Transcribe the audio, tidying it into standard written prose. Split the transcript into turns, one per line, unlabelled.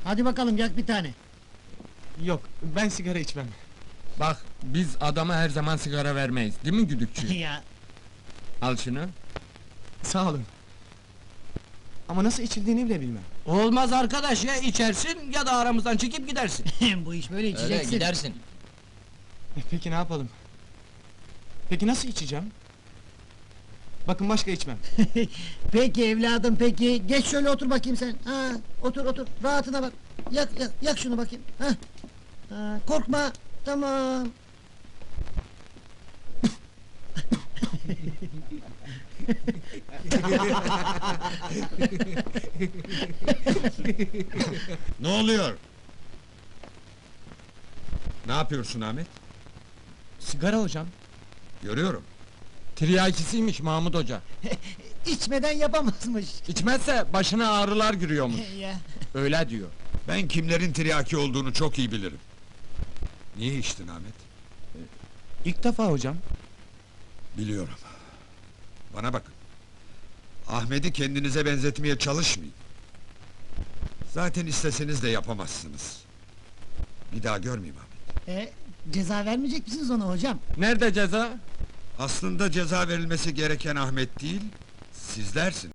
Hadi bakalım yak bir tane.
Yok, ben sigara içmem.
Bak, biz adama her zaman sigara vermeyiz, değil mi güdükçü?
Ya
Al şunu.
Sağ olun. Ama nasıl içildiğini bile bilmem.
Olmaz arkadaş, ya içersin ya da aramızdan çekip gidersin.
bu iş böyle
Öyle
içeceksin.
gidersin.
Peki ne yapalım? Peki nasıl içeceğim? Bakın başka içmem.
Peki evladım peki. Geç şöyle otur bakayım sen. Ha, otur rahatına bak. Yak şunu bakayım. Ha. Ha, korkma. Tamam.
Ne oluyor? Ne yapıyorsun Ahmet?
Sigara hocam.
Görüyorum.
Tiryakisiymiş Mahmut Hoca.
İçmeden yapamazmış.
İçmezse başına ağrılar giriyormuş.
Ya.
Öyle diyor.
Ben kimlerin tiryaki olduğunu çok iyi bilirim. Niye içtin Ahmet?
İlk defa hocam.
Biliyorum. Bana bakın. Ahmet'i kendinize benzetmeye çalışmayın. Zaten isteseniz de yapamazsınız. Bir daha görmeyeyim Ahmet.
Ceza vermeyecek misiniz ona hocam?
Nerede ceza?
Aslında ceza verilmesi gereken Ahmet değil, sizlersiniz.